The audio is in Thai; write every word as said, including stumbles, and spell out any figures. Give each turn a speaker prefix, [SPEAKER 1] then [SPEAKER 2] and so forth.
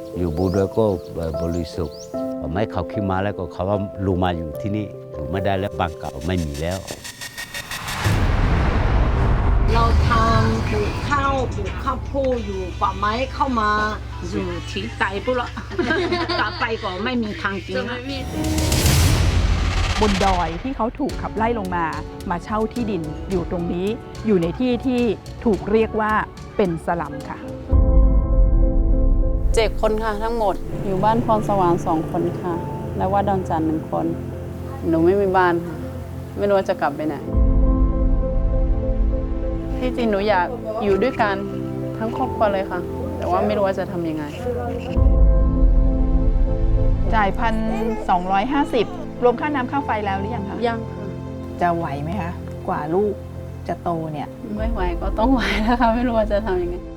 [SPEAKER 1] อยู่บูด้วยก็บริสุทธิ์ไม่เขาขึ้นมาแล้วก็เขาว่าลูมาอยู่ที่นี่อยู่ไม่ได้แล้วบ้านเก่าไม่มีแล้ว
[SPEAKER 2] เราทำปลูกข้าวปลูกข้าวโพดอยู่ป่าไม้เข้ามาอยู่ที่ไตปุ๊บละกลับไปก็ไม่มีทางกินนะ
[SPEAKER 3] บนดอยที่เขาถูกขับไล่ลงมามาเช่าที่ดินอยู่ตรงนี้อยู่ในที่ที่ถูกเรียกว่าเป็นสลัมค่ะ
[SPEAKER 4] เจ็ดคนค่ะทั้งหมดอยู่บ้านพรสวรรค์สองคนค่ะและวัดดอนจันทร์หนึ่งคนหนูไม่มีบ้านค่ะไม่รู้ว่าจะกลับไปไหนที่จริงหนูอยากอยู่ด้วยกันทั้งครอบครัวเลยค่ะแต่ว่าไม่รู้ว่าจะทำยังไง
[SPEAKER 3] จ่ายพันสองร้อยห้าสิบรวมค่าน้ำค่าไฟแล้วหรือยังคะ
[SPEAKER 4] ยังค่ะ
[SPEAKER 3] จะไหวไหมคะกว่าลูกจะโตเนี่ย
[SPEAKER 4] ไม่ไหวก็ต้องไหวแล้วค่ะไม่รู้ว่าจะทำยังไง